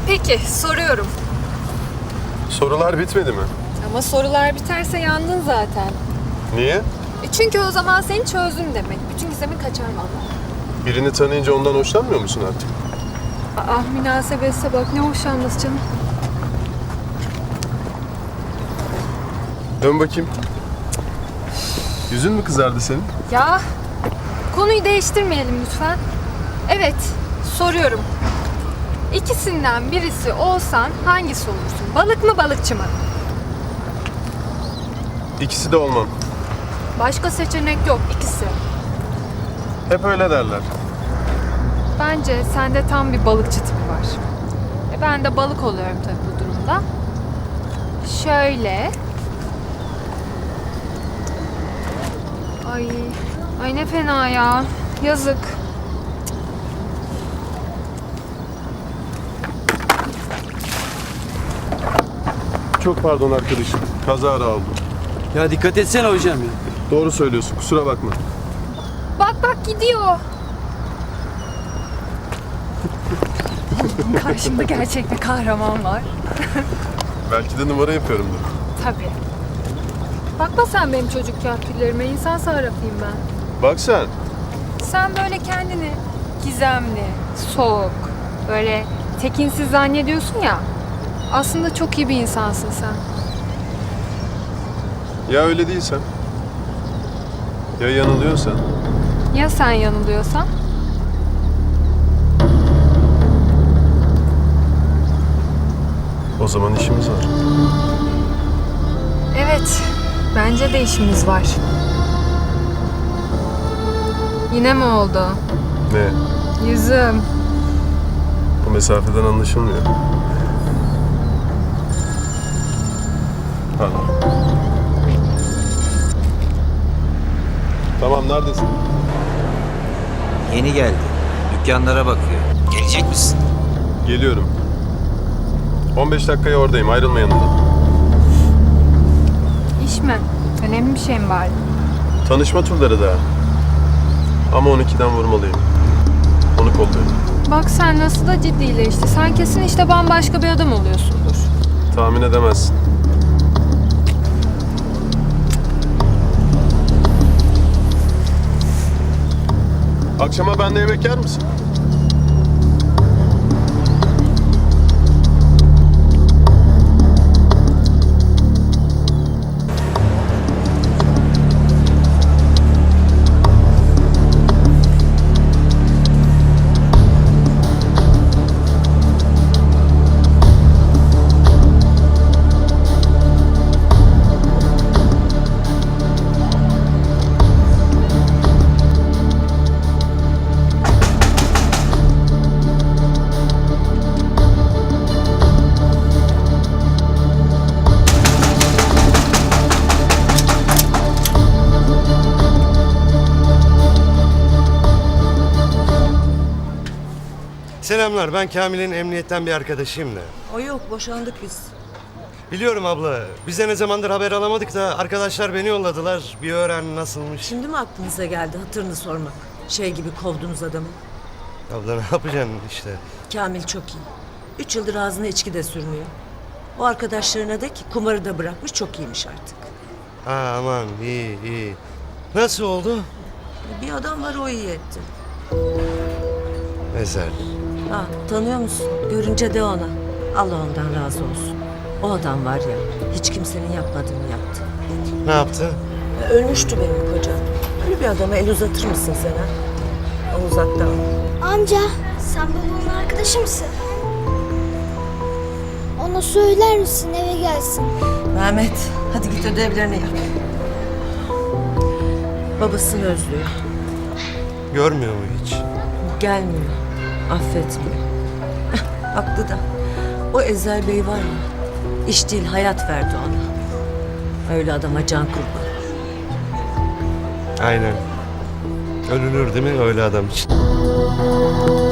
Peki, soruyorum. Sorular bitmedi mi? Ama sorular biterse yandın zaten. Niye? Çünkü o zaman seni çözdüm demek. Bütün gizemin kaçar vallahi. Birini tanıyınca ondan hoşlanmıyor musun artık? Ah münasebetse bak, ne hoşlanması canım. Dön bakayım. Yüzün mü kızardı senin? Ya, konuyu değiştirmeyelim lütfen. Evet, soruyorum. İkisinden birisi olsan hangisi olursun? Balık mı, balıkçı mı? İkisi de olmam. Başka seçenek yok, ikisi. Hep öyle derler. Bence sende tam bir balıkçı tipi var. Ben de balık oluyorum tabii bu durumda. Şöyle. Ay ne fena ya. Yazık. Çok pardon arkadaşım. Kazara oldu. Ya dikkat etsene hocam ya. Doğru söylüyorsun. Kusura bakma. Bak gidiyor. Karşımda gerçek bir kahraman var. Belki de numara yapıyorumdur. Tabii. Bakma sen benim çocuk kafirlerime. İnsan sarrafıyım ben. Bak sen. Sen böyle kendini gizemli, soğuk, böyle tekinsiz zannediyorsun ya. Aslında çok iyi bir insansın sen. Ya öyle değilsen? Ya yanılıyorsan? Ya sen yanılıyorsan? O zaman işimiz var. Evet, bence de işimiz var. Yine mi oldu? Ne? Yüzüm. Bu mesafeden anlaşılmıyor. Pardon. Tamam, neredesin? Yeni geldi. Dükkanlara bakıyor. Gelecek misin? Geliyorum. 15 dakikaya oradayım. Ayrılma yanımdan. İş mi? Önemli bir şey mi var? Tanışma turları daha. Ama 12'den vurmalıyım. Onu kolluyorum. Bak sen nasıl da ciddileşti. Sen kesin işte bambaşka bir adam oluyorsundur. Tahmin edemezsin. Akşama benimle yemek yer misin? Selamlar, ben Kamil'in emniyetten bir arkadaşıyım da. O yok, boşandık biz. Biliyorum abla, biz de ne zamandır haber alamadık da arkadaşlar beni yolladılar. Bir öğren nasılmış. Şimdi mi aklınıza geldi hatırını sormak? Şey gibi kovdunuz adamı. Abla ne yapacaksın işte. Kamil çok iyi. 3 yıldır ağzına içki de sürmüyor. O arkadaşlarına de ki kumarı da bırakmış, çok iyiymiş artık. Ha aman iyi iyi. Nasıl oldu? Bir adam var, o iyi etti. Ezel. Ha, tanıyor musun? Görünce de ona. Allah ondan razı olsun. O adam var ya, hiç kimsenin yapmadığını yaptı. Ne yaptı? Ölmüştü benim kocam. Öyle bir adama el uzatır mısın sen ha? O uzakta. Amca, sen babamın arkadaşı mısın? Ona söyler misin eve gelsin? Mehmet, hadi git ödevlerini yap. Babasını özlüyor. Görmüyor mu hiç? Gelmiyor, affetmiyor. Haklı da. O Ezel Bey var ya, iş değil hayat verdi ona. Öyle adama can kurban. Aynen. Ölünür değil mi öyle adam için?